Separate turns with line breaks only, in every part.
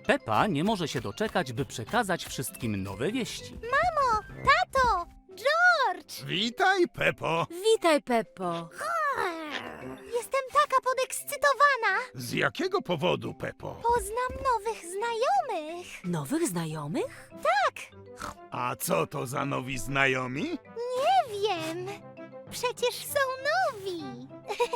Pepa nie może się doczekać, by przekazać wszystkim nowe wieści.
Mamo, tato, George!
Witaj, Pepo.
Witaj, Peppo.
Jestem taka podekscytowana.
Z jakiego powodu, Pepo?
Poznam nowych znajomych.
Nowych znajomych?
A co to za nowi znajomi?
Nie wiem. Przecież są nowi.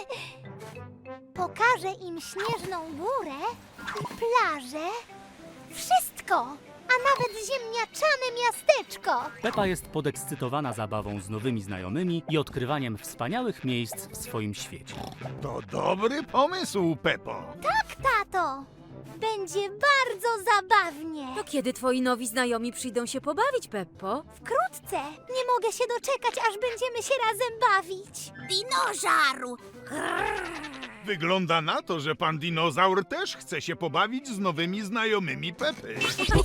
Pokażę im śnieżną górę i plażę. Wszystko, a nawet ziemniaczane miasteczko.
Pepa jest podekscytowana zabawą z nowymi znajomymi i odkrywaniem wspaniałych miejsc w swoim świecie.
To dobry pomysł, Pepo.
Tak, tato. Będzie bardzo zabawnie.
To kiedy twoi nowi znajomi przyjdą się pobawić, Peppo?
Wkrótce. Nie mogę się doczekać, aż będziemy się razem bawić. Dinożaru!
Wygląda na to, że pan dinozaur też chce się pobawić z nowymi znajomymi Pepy.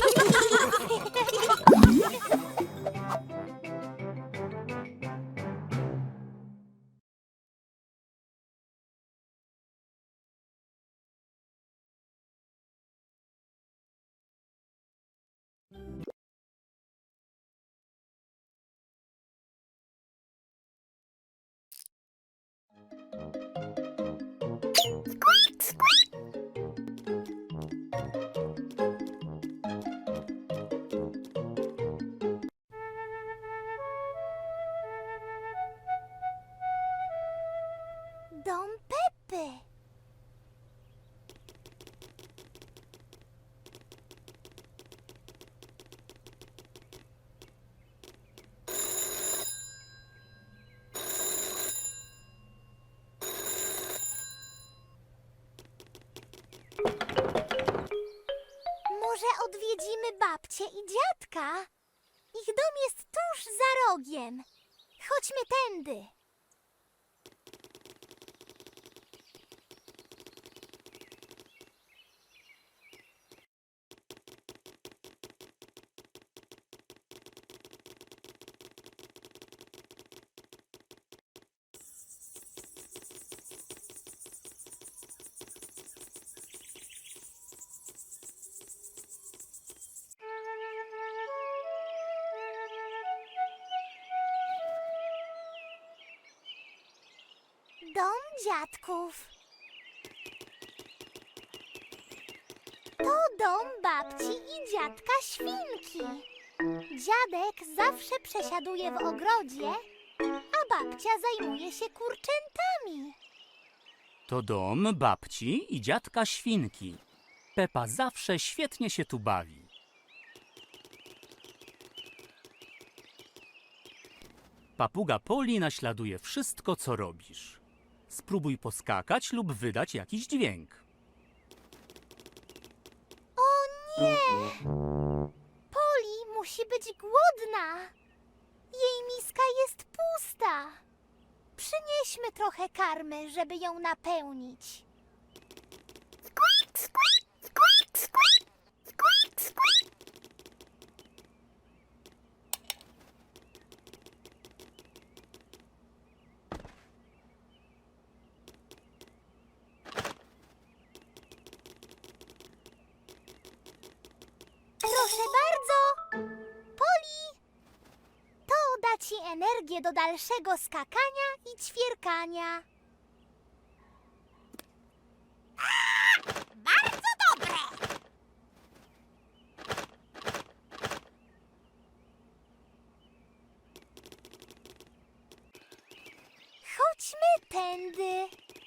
Dom Pepy. Może odwiedzimy babcię i dziadka? Ich dom jest tuż za rogiem. Chodźmy tędy. Dom dziadków. To dom babci i dziadka Świnki. Dziadek zawsze przesiaduje w ogrodzie, a babcia zajmuje się kurczętami.
To dom babci i dziadka Świnki. Pepa zawsze świetnie się tu bawi. Papuga Poli naśladuje wszystko, co robisz. Spróbuj poskakać lub wydać jakiś dźwięk.
O nie! Poli musi być głodna. Jej miska jest pusta. Przynieśmy trochę karmy, żeby ją napełnić. Squeak, squeak, squeak, squeak, squeak, squeak. Proszę bardzo. Poli, to da ci energię do dalszego skakania i ćwierkania. Bardzo dobre. Chodźmy tędy.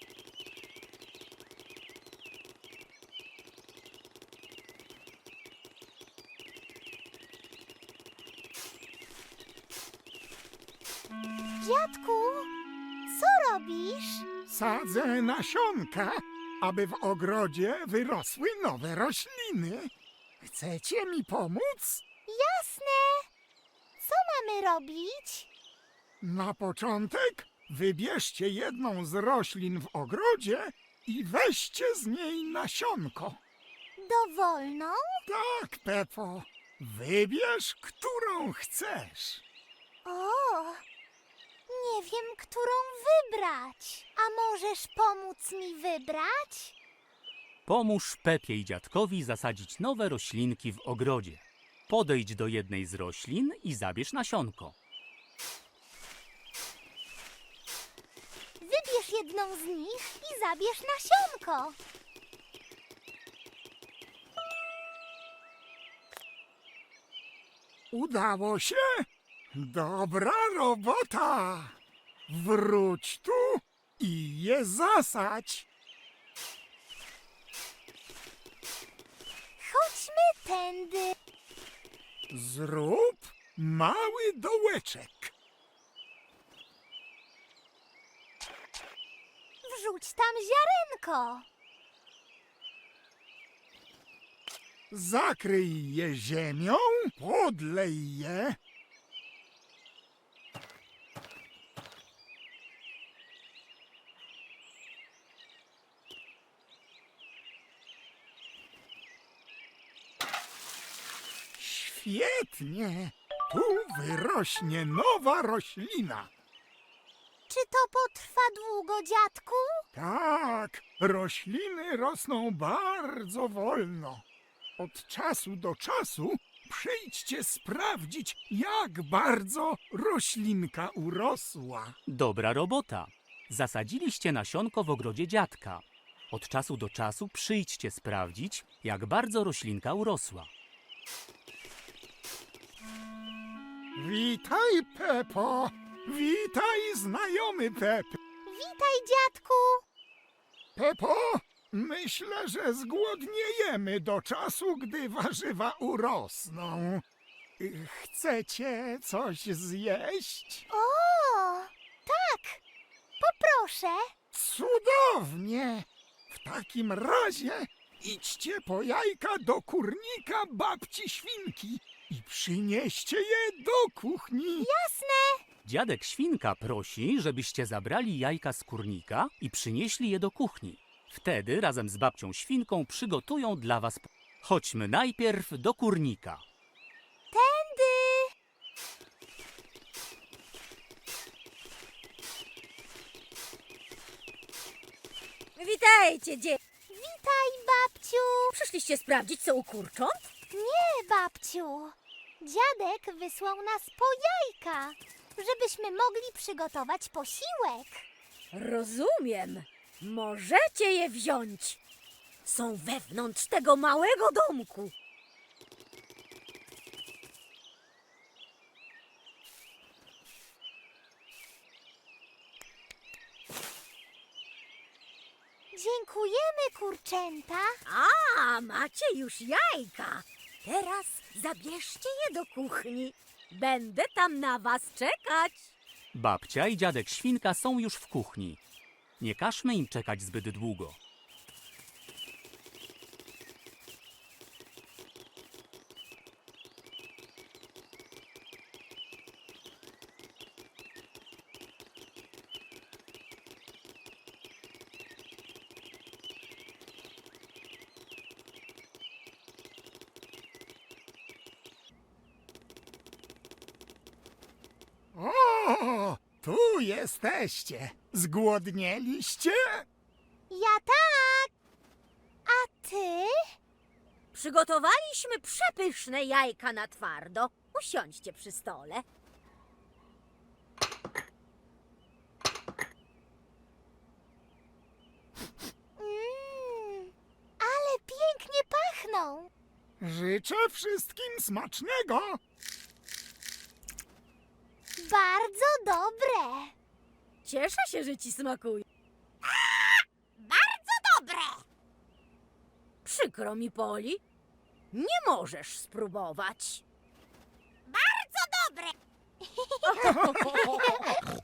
Dziadku, co robisz?
Sadzę nasionka, aby w ogrodzie wyrosły nowe rośliny. Chcecie mi pomóc?
Jasne. Co mamy robić?
Na początek wybierzcie jedną z roślin w ogrodzie i weźcie z niej nasionko.
Dowolną?
Tak, Pepo. Wybierz, którą chcesz.
O, nie wiem, którą wybrać. A możesz pomóc mi wybrać?
Pomóż Pepie i dziadkowi zasadzić nowe roślinki w ogrodzie. Podejdź do jednej z roślin i zabierz nasionko.
Wybierz jedną z nich i zabierz nasionko.
Udało się? Dobra robota! Wróć tu i je zasadź.
Chodźmy tędy.
Zrób mały dołeczek.
Wrzuć tam ziarenko.
Zakryj je ziemią, podlej je. Świetnie! Tu wyrośnie nowa roślina.
Czy to potrwa długo, dziadku?
Tak, rośliny rosną bardzo wolno. Od czasu do czasu przyjdźcie sprawdzić, jak bardzo roślinka urosła.
Dobra robota. Zasadziliście nasionko w ogrodzie dziadka. Od czasu do czasu przyjdźcie sprawdzić, jak bardzo roślinka urosła.
Witaj, Pepo! Witaj, znajomy Pep!
Witaj, dziadku.
Pepo, myślę, że zgłodniejemy do czasu, gdy warzywa urosną. Chcecie coś zjeść?
O, tak. Poproszę.
Cudownie! W takim razie idźcie po jajka do kurnika babci świnki i przynieście je do kuchni.
Jasne.
Dziadek Świnka prosi, żebyście zabrali jajka z kurnika i przynieśli je do kuchni. Wtedy razem z babcią Świnką przygotują dla was... Chodźmy najpierw do kurnika.
Tędy.
Witajcie,
Witaj, babciu.
Przyszliście sprawdzić, co u kurcząt?
Nie, babciu. Dziadek wysłał nas po jajka, żebyśmy mogli przygotować posiłek.
Rozumiem. Możecie je wziąć. Są wewnątrz tego małego domku.
Dziękujemy, kurczęta.
A, macie już jajka. Teraz zabierzcie je do kuchni. Będę tam na was czekać.
Babcia i dziadek Świnka są już w kuchni. Nie każmy im czekać zbyt długo.
O, tu jesteście. Zgłodnieliście?
Ja tak. A ty?
Przygotowaliśmy przepyszne jajka na twardo. Usiądźcie przy stole.
Ale pięknie pachną.
Życzę wszystkim smacznego.
Bardzo dobre.
Cieszę się, że ci smakuje.
Bardzo dobre.
Przykro mi, Poli. Nie możesz spróbować.
Bardzo dobre.